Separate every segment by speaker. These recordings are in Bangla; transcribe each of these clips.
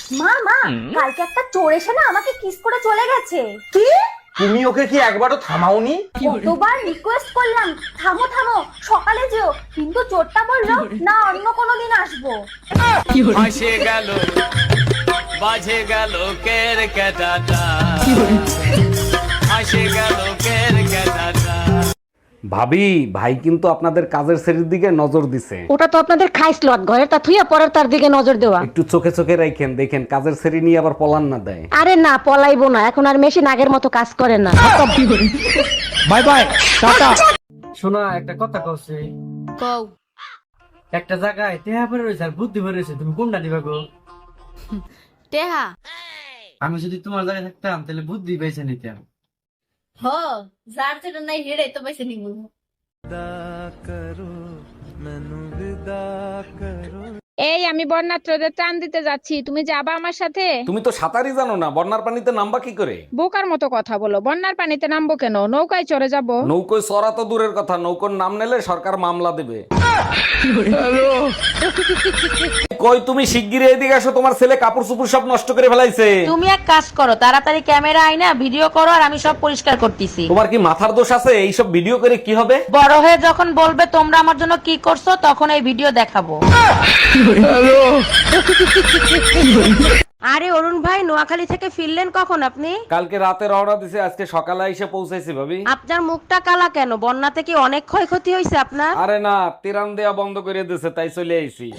Speaker 1: মা মা, কালকে একটা চোর এসে না আমাকে কিস করে চলে গেছে।
Speaker 2: কি? তুমি ওকে কি একবারও থামাওনি?
Speaker 1: কতবার রিকোয়েস্ট করলাম থামো থামো, সকালে যেও, কিন্তু চোরটা বললো না অন্য কোনো দিন আসবো।
Speaker 3: হাসে গেল বাজে গেল কের কেটাটা, হাসে গেল কের কেটাটা।
Speaker 4: ভাবি, ভাই কিন্তু আপনাদের কাজের শ্রেণীর দিকে নজর দিছে।
Speaker 5: ওটা তো আপনাদের খাইসলত, ঘরে তা থুইয়া পরের তার দিকে নজর দেওয়া।
Speaker 4: একটু চোখে চোখে রাখেন, দেখেন কাজের শ্রেণী নিয়ে আবার পলান না দেয়।
Speaker 5: আরে না, পলাইবো না, এখন আর মেশিন আগের মতো কাজ করে না।
Speaker 4: Bye bye, tata.
Speaker 6: শোনা একটা কথা কইছে,
Speaker 7: কও।
Speaker 6: একটা জায়গায় টেহা পড়ে রয়েছে আর বুদ্ধি পড়ে রয়েছে, তুমি কোনটা দিবা গো?
Speaker 7: টেহা?
Speaker 6: আমি যদি তোমার জায়গায় থাকতাম তাহলে বুদ্ধি বেছে নিতাম।
Speaker 7: হ, যার যেটা নাই হেড়ে তো বেছে নিব।
Speaker 8: এই আমি বন্যাত্রদের ত্রাণ দিতে যাচ্ছি, তুমি যাবা আমার সাথে?
Speaker 4: তুমি তো সাঁতারই জানো না, বন্যার পানিতে নামবা কি করে?
Speaker 8: বোকার মতো কথা বলো, বন্যার পানিতে নামবো কেন? নৌকায় চড়ে যাব।
Speaker 4: নৌকোয় চড়া তো দূরের কথা, নৌকোর নাম নিলে সরকার মামলা দেবে। কই তুমি শিগগিরই এদিকে আসো, তোমার ছেলে কাপড় চোপড় সব নষ্ট করে ফেলাইছে।
Speaker 5: তুমি এক কাজ করো, তাড়াতাড়ি ক্যামেরা আইনা ভিডিও করো, আর আমি সব পরিষ্কার করতেছি।
Speaker 4: তোমার কি মাথার দোষ আছে? এইসব ভিডিও করে কি হবে?
Speaker 5: বড় হয়ে যখন বলবে তোমরা আমার জন্য কি করছো, তখন এই ভিডিও দেখাবো। আরে অরুণ ভাই, নোয়াখালী থেকে ফিরলেন কখন আপনি?
Speaker 4: কালকে রাতে রওনা দিছে, আজকে সকালে এসে পৌঁছাইছি ভাবি।
Speaker 5: আপনার মুখটা কালা কেন? বন্যাতে কি অনেক ক্ষয়ক্ষতি হয়েছে আপনার?
Speaker 4: আরে না, তিরান দেয়া বন্ধ করে দিয়েছে, তাই চলে আইছি।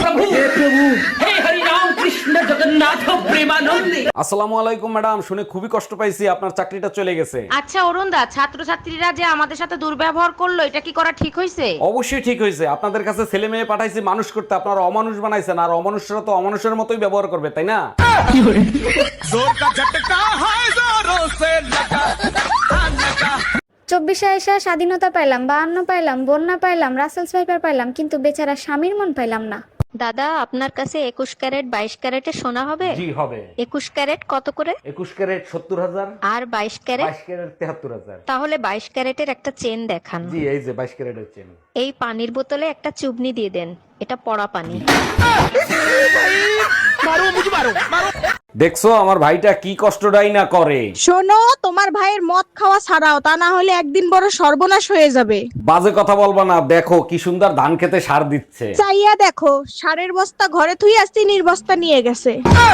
Speaker 4: আসসালামু আলাইকুম ম্যাডাম, শুনে খুবই কষ্ট পাইছি, আপনার চাকরিটা চলে গেছে।
Speaker 5: আচ্ছা অরুণ দা, ছাত্রছাত্রীরা যে আমাদের সাথে দুর্ব্যবহার করলো, এটা কি করা ঠিক হয়েছে?
Speaker 4: অবশ্যই ঠিক হয়েছে, আপনাদের কাছে ছেলে মেয়ে পাঠাইছি মানুষ করতে, আপনারা অমানুষ বানাইছেন, আর অমানুষরা তো অমানুষের মতোই ব্যবহার করবে, তাই না?
Speaker 9: চব্বিশে এসে স্বাধীনতা পাইলাম, 52 পাইলাম, বন্যা পাইলাম, রাসেলস ভাইপার পাইলাম, কিন্তু বেচারা স্বামীর মন পাইলাম না।
Speaker 7: দাদা, আপনার কাছে 21 ক্যারেট 22 ক্যারেটের সোনা হবে?
Speaker 4: জি হবে।
Speaker 7: 21 ক্যারেট কত করে?
Speaker 4: 21 ক্যারেট 70,000,
Speaker 7: আর 22 ক্যারেট?
Speaker 4: 22 ক্যারেট 73,000।
Speaker 7: তাহলে 22 ক্যারেটের একটা চেন দেখান।
Speaker 4: জি এই যে 22 ক্যারেটের চেন।
Speaker 7: এই পানির বোতলে একটা চুবনি দিয়ে দেন, এটা পড়া পানি।
Speaker 4: দেখছো আমার ভাইটা কি কষ্টটাই না করে।
Speaker 8: শোনো, তোমার ভাইয়ের মদ খাওয়া ছাড়াও, তা না হলে একদিন বড় সর্বনাশ হয়ে যাবে।
Speaker 4: বাজে কথা বলবা না, দেখো কি সুন্দর ধান খেতে সার দিচ্ছে।
Speaker 8: চাইয়া দেখো, সারের বস্তা ঘরে থুই আসছি, নির্বস্তা নিয়ে গেছে।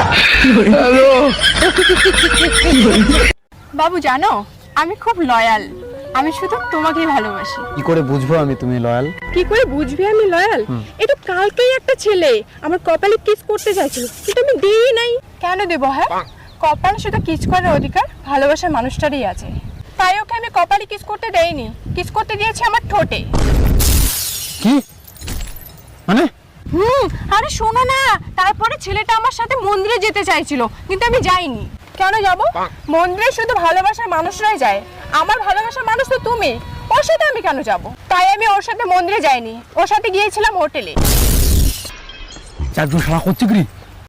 Speaker 8: বাবু জানো, আমি খুব লয়াল, আমি শুধু তোমাকেই ভালোবাসি।
Speaker 6: কি করে বুঝবো আমি তুমি লয়াল?
Speaker 8: কি করে বুঝবি আমি লয়াল? এটা কালকেই একটা ছেলে আমার কপালে কিস করতে চাইছিল, কিন্তু আমি দিই নাই। কেন দেবো? হ্যাঁ, কপালে শুধু কিস করার অধিকার ভালোবাসার মানুষটারই আছে, তাই ওকে আমি কপালে কিস করতে দেইনি, কিস করতে দিয়েছি আমার ঠোঁটে।
Speaker 6: কি মানে?
Speaker 8: আরে শোনো না, তারপরে ছেলেটা আমার সাথে মন্দিরে যেতে চাইছিল, কিন্তু আমি যাইনি। কেন যাব? মন্দিরে শুধু ভালোবাসার মানুষরাই যায়, আমার ভালোবাসার মানুষ তো তুমি, ওর সাথে আমি কেন যাব? তাই আমি ওর সাথে মন্দিরে যাইনি, ওর সাথে গিয়েছিলাম হোটেলে।
Speaker 6: চারজন শালা করছে কি?